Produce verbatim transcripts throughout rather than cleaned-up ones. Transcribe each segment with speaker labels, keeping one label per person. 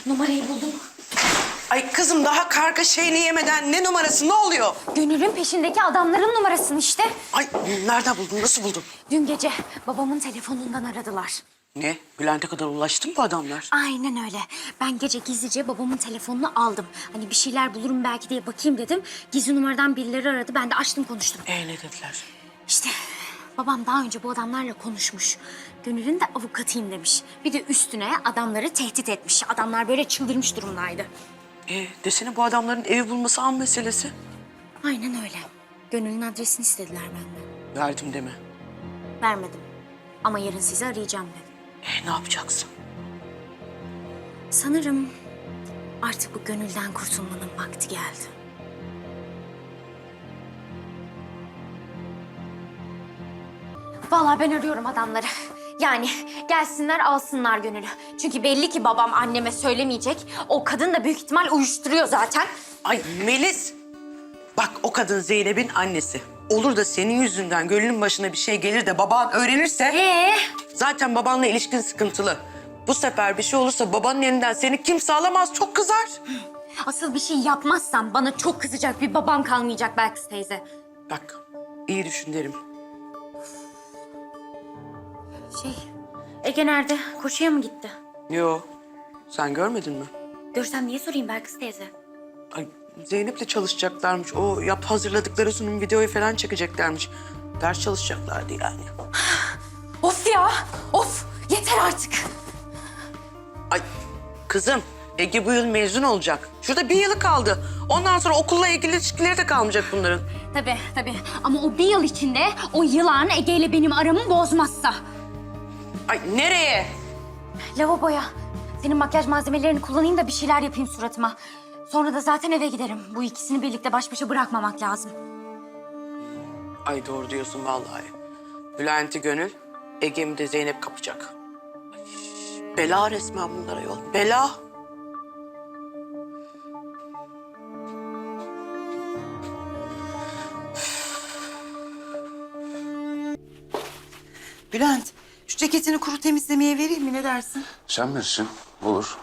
Speaker 1: Numarayı buldum.
Speaker 2: Ay kızım daha karga şeyini yemeden ne numarası, ne oluyor?
Speaker 1: Gönül'ün peşindeki adamların numarasını işte.
Speaker 2: Ay nereden buldun, nasıl buldun?
Speaker 1: Dün gece babamın telefonundan aradılar.
Speaker 2: Ne? Bülent'e kadar ulaştı mı bu adamlar?
Speaker 1: Aynen öyle. Ben gece gizlice babamın telefonunu aldım. Hani bir şeyler bulurum belki diye bakayım dedim. Gizli numaradan birileri aradı. Ben de açtım konuştum.
Speaker 2: Ee ne dediler?
Speaker 1: İşte babam daha önce bu adamlarla konuşmuş. Gönül'ün de avukatıyım demiş. Bir de üstüne adamları tehdit etmiş. Adamlar böyle çıldırmış durumdaydı.
Speaker 2: Ee desene bu adamların evi bulması an meselesi.
Speaker 1: Aynen öyle. Gönül'ün adresini istediler benden.
Speaker 2: Verdim deme.
Speaker 1: Vermedim. Ama yarın sizi arayacağım dedim.
Speaker 2: Ee ne yapacaksın?
Speaker 1: Sanırım artık bu Gönül'den kurtulmanın vakti geldi. Vallahi ben arıyorum adamları. Yani gelsinler alsınlar Gönül'ü. Çünkü belli ki babam anneme söylemeyecek. O kadın da büyük ihtimal uyuşturuyor zaten.
Speaker 2: Ay Melis! Bak o kadın Zeynep'in annesi. Olur da senin yüzünden Gönül'ün başına bir şey gelir de baban öğrenirse...
Speaker 1: Ee?
Speaker 2: Zaten babanla ilişkin sıkıntılı. Bu sefer bir şey olursa babanın elinden seni kimse alamaz, çok kızar.
Speaker 1: Asıl bir şey yapmazsam bana çok kızacak bir babam kalmayacak Belkıs teyze.
Speaker 2: Bak iyi düşün derim.
Speaker 1: Şey, Ege nerede? Koşuya mı gitti?
Speaker 2: Yo, sen görmedin mi?
Speaker 1: Görsem niye sorayım Belkıs teyze?
Speaker 2: Ay, Zeynep'le çalışacaklarmış. O yap hazırladıkları sunum videoyu falan çekeceklermiş. Ders çalışacaklardı yani.
Speaker 1: Of ya! Of! Yeter artık!
Speaker 2: Ay kızım, Ege bu yıl mezun olacak. Şurada bir yılı kaldı. Ondan sonra okulla ilgili ilişkileri de kalmayacak bunların.
Speaker 1: Tabii tabii ama o bir yıl içinde o yılan Ege ile benim aramı bozmazsa.
Speaker 2: Ay nereye?
Speaker 1: Lavaboya. Senin makyaj malzemelerini kullanayım da bir şeyler yapayım suratıma. Sonra da zaten eve giderim. Bu ikisini birlikte baş başa bırakmamak lazım.
Speaker 2: Ay doğru diyorsun vallahi. Bülent'i Gönül, Ege'mi de Zeynep kapacak. Ay, bela resmen bunlara yol. Bela.
Speaker 3: Bülent, şu ceketini kuru temizlemeye vereyim mi? Ne dersin?
Speaker 4: Sen bilirsin. Olur.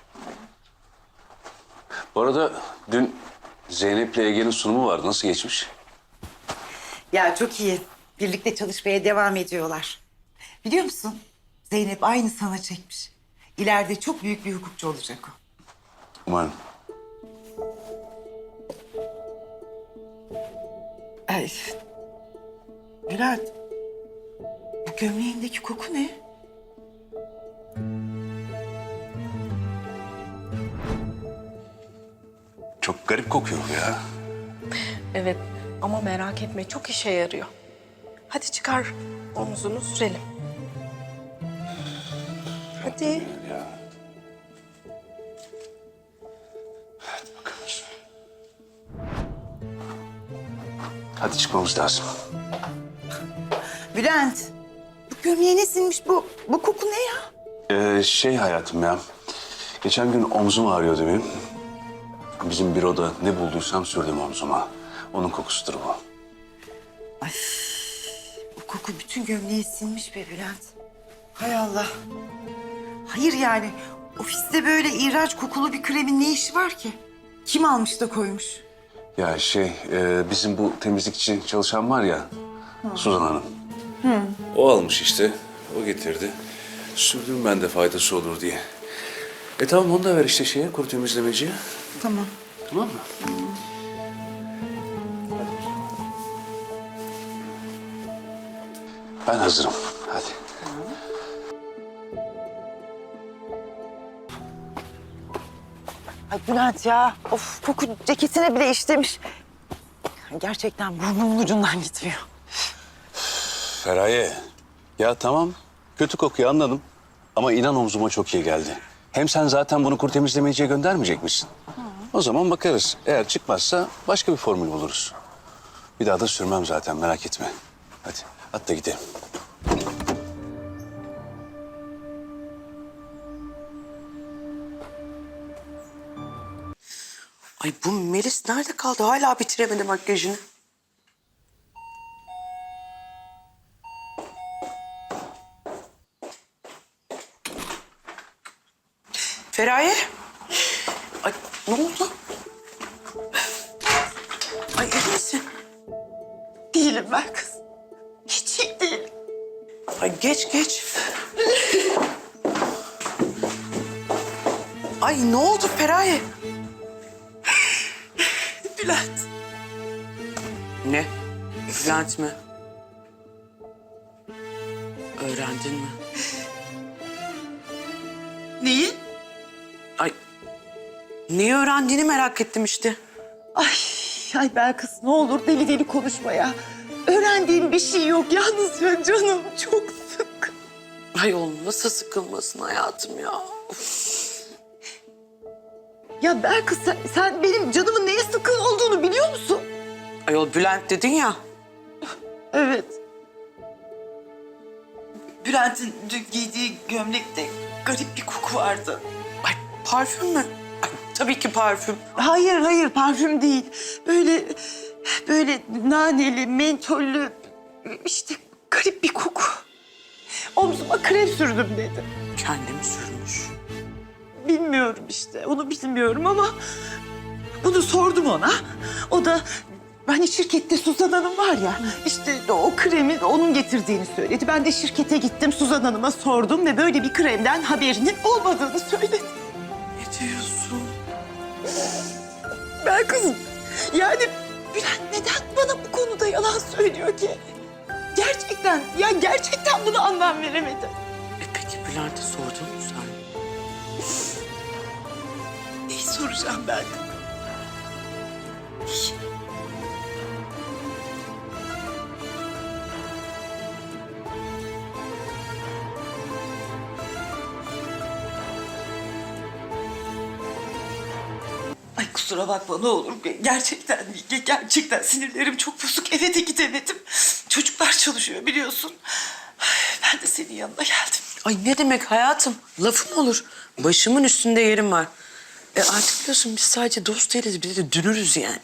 Speaker 4: Bu arada dün Zeynep'le Ege'nin sunumu vardı. Nasıl geçmiş?
Speaker 3: Ya çok iyi. Birlikte çalışmaya devam ediyorlar. Biliyor musun? Zeynep aynı sana çekmiş. İleride çok büyük bir hukukçu olacak o.
Speaker 4: Umarım.
Speaker 3: Ay. Bülent, bu gömleğindeki koku ne?
Speaker 4: Çok garip kokuyor bu ya.
Speaker 5: Evet ama merak etme çok işe yarıyor. Hadi çıkar omzunu sürelim. Hadi.
Speaker 4: Ya. Hadi bakalım. Hadi çıkmamız lazım.
Speaker 3: Bülent, bu gömleğe ne sinmiş bu? Bu koku ne ya?
Speaker 4: Ee, şey hayatım ya. Geçen gün omzum ağrıyordu benim. Bizim büroda ne bulduysam sürdüm omzuma. Onun kokusudur bu.
Speaker 3: Ay, bu koku bütün gömleğe sinmiş be Bülent. Hay Allah. Hayır yani, ofiste böyle iğrenç kokulu bir kremin ne işi var ki? Kim almış da koymuş?
Speaker 4: Ya şey, e, bizim bu temizlikçi çalışan var ya, Suzan Hanım. O almış işte, o getirdi. Sürdüm ben de faydası olur diye. E tamam onu da ver işte şeye, kuru temizlemeciye.
Speaker 3: Tamam.
Speaker 4: Tamam mı? Ben hazırım. Hadi.
Speaker 3: Ay Bülent ya, of koku ceketine bile işlemiş. Gerçekten burnumun ucundan gitmiyor.
Speaker 4: Feraye. Ya tamam, kötü kokuyu anladım. Ama inan omzuma çok iyi geldi. Hem sen zaten bunu kuru temizlemeciye göndermeyecek misin? O zaman bakarız. Eğer çıkmazsa başka bir formül buluruz. Bir daha da sürmem zaten, merak etme. Hadi, at da gidelim.
Speaker 2: Ay bu Melis nerede kaldı? Hala bitiremedi makyajını. Feraye, Ne oldu? Ay iyi misin?
Speaker 3: Değilim ben kız. Hiç iyi değilim.
Speaker 2: Ay geç geç. Ay ne oldu Feraye?
Speaker 3: Bülent.
Speaker 2: Ne? Bülent mi? Öğrendin mi?
Speaker 3: Neyi?
Speaker 2: Ay neyi öğrendiğini merak ettim işte.
Speaker 3: Ay, ay ben kız ne olur deli deli konuşma ya. Öğrendiğim bir şey yok. Yalnızca canım çok sık.
Speaker 2: Ay oğlum nasıl sıkılmasın hayatım ya.
Speaker 3: Ya Belkıs sen, sen benim canımın neye sıkın olduğunu biliyor musun?
Speaker 2: Ayol Bülent dedin ya.
Speaker 3: Evet. Bülent'in dün giydiği gömlekte garip bir koku vardı.
Speaker 2: Ay parfüm mü? Ay, tabii ki parfüm.
Speaker 3: Hayır hayır parfüm değil. Böyle böyle naneli, mentollü işte garip bir koku. Omzuma krem sürdüm dedi.
Speaker 2: Kendim sürmüş.
Speaker 3: Bilmiyorum işte onu bilmiyorum ama bunu sordum ona. O da hani şirkette Suzan Hanım var ya işte o kremi onun getirdiğini söyledi. Ben de şirkete gittim Suzan Hanım'a sordum ve böyle bir kremden haberinin olmadığını söyledi.
Speaker 2: Ne diyorsun?
Speaker 3: Ben kızım yani Bülent neden bana bu konuda yalan söylüyor ki? Gerçekten ya gerçekten buna anlam veremedim.
Speaker 2: E peki Bülent'e sordun mu sen?
Speaker 3: Neyi soracağım ben? Ay kusura bakma ne olur. Gerçekten, gerçekten sinirlerim çok bozuk. Eve de gidemedim. Çocuklar çalışıyor biliyorsun. Ben de senin yanına geldim.
Speaker 2: Ay ne demek hayatım? Lafım olur. Başımın üstünde yerim var. E artık biliyorsun biz sadece dost değiliz. Bir de dünürüz yani.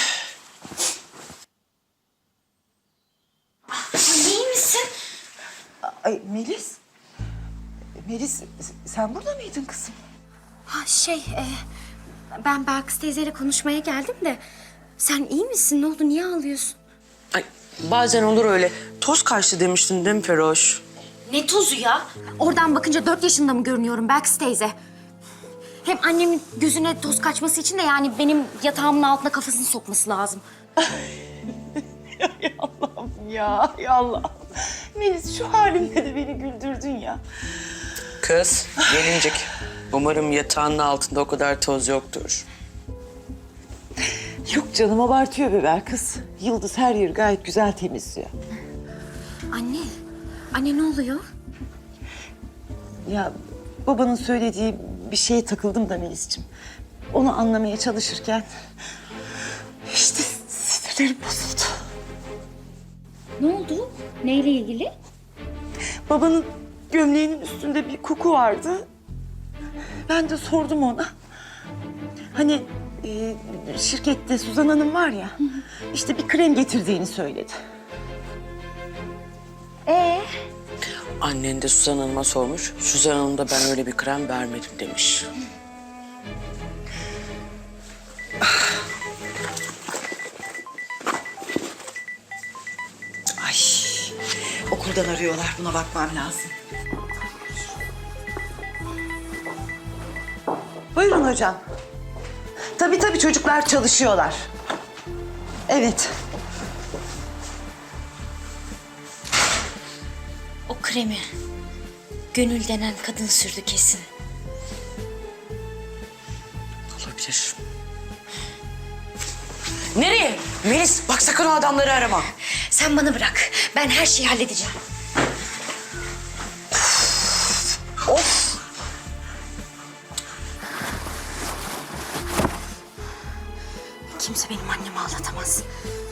Speaker 1: Anne iyi misin?
Speaker 3: Ay Melis. Melis sen burada mıydın kızım?
Speaker 1: Ha şey, e, ben Belkıs teyzeyle konuşmaya geldim de... Sen iyi misin? Ne oldu? Niye ağlıyorsun?
Speaker 2: Ay bazen olur öyle. Toz kaçtı demiştin değil mi Feroş?
Speaker 1: Ne tozu ya? Oradan bakınca dört yaşında mı görünüyorum Belkıs teyze? Hem annemin gözüne toz kaçması için de yani benim yatağımın altına kafasını sokması lazım.
Speaker 3: Ya Allah'ım ya, ya Allah'ım. Melis şu halimle de beni güldürdün ya.
Speaker 2: Kız, gelincik. Umarım yatağının altında o kadar toz yoktur.
Speaker 3: Yok canım abartıyor be Belkıs. Yıldız her yeri gayet güzel temizliyor.
Speaker 1: Anne, anne ne oluyor?
Speaker 3: Ya babanın söylediği bir şeye takıldım da Melis'ciğim. Onu anlamaya çalışırken işte sinirlerim bozuldu.
Speaker 1: Ne oldu? Neyle ilgili?
Speaker 3: Babanın gömleğinin üstünde bir koku vardı. Ben de sordum ona. Hani e, şirkette Suzan Hanım var ya, işte bir krem getirdiğini söyledi.
Speaker 1: Ee?
Speaker 2: Annen de Suzan Hanım'a sormuş. Suzan Hanım da ben öyle bir krem vermedim demiş.
Speaker 3: Ay, okuldan arıyorlar. Buna bakmam lazım. Buyurun hocam. Tabii tabii çocuklar çalışıyorlar. Evet.
Speaker 1: O kremi Gönül denen kadın sürdü kesin.
Speaker 2: Olabilir. Nereye? Melis bak sakın o adamları arama.
Speaker 1: Sen bana bırak. Ben her şeyi halledeceğim.
Speaker 2: Of!
Speaker 1: Kimse benim annemi ağlatamaz.